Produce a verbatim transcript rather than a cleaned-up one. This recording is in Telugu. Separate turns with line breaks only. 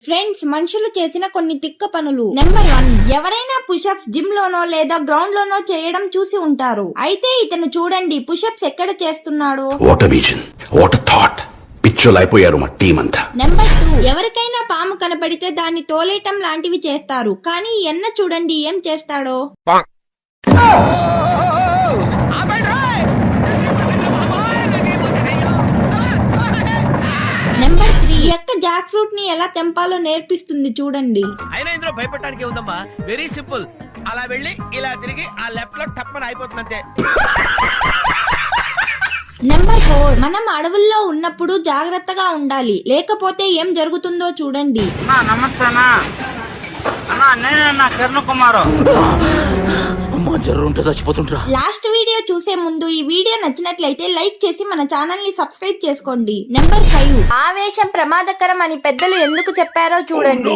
ఫ్రెండ్స్, మనుషులు చేసిన కొన్ని తిక్క పనులు. నెంబర్ వన్, ఎవరైనా పుషప్స్ జిమ్ లోనో లేదా గ్రౌండ్ లోనో చేయడం చూసి ఉంటారు. అయితే ఇతను చూడండి పుషప్స్ ఎక్కడ చేస్తున్నాడో.
What a vision, what a thought. పిచ్చోలైపోయారు మా టీం అంతా.
నెంబర్ టూ, ఎవరికైనా పాము కనపడితే దాన్ని తోలేయటం లాంటివి చేస్తారు. కానీ ఎన్న చూడండి ఏం చేస్తాడో. నెంబర్ త్రీ, ఎక్క జాక్ ఫ్రూట్ ని ఎలా తెంపాలో నేర్పిస్తుంది చూడండి.
అయినా ఇందులో భయపడడానికి ఉందమ్మా, వెరీ సింపుల్. అలా వెళ్ళి ఇలా తిరిగి ఆ లెఫ్ట్ లో టప్పని అయిపోతుంది అంతే.
నెంబర్ ఫోర్, మనం అడవుల్లో ఉన్నప్పుడు జాగ్రత్తగా ఉండాలి, లేకపోతే ఏం జరుగుతుందో చూడండి.
నమస్తేనా అన్నా, నేనన్నా కిరణ్ కుమారు.
లాస్ట్ వీడియో చూసే ముందు ఈ వీడియో నచ్చినట్లయితే లైక్ చేసి మన ఛానల్ ని సబ్స్క్రైబ్ చేసుకోండి. నెంబర్ ఫైవ్, ఆవేశం ప్రమాదకరం అని పెద్దలు ఎందుకు చెప్పారో చూడండి.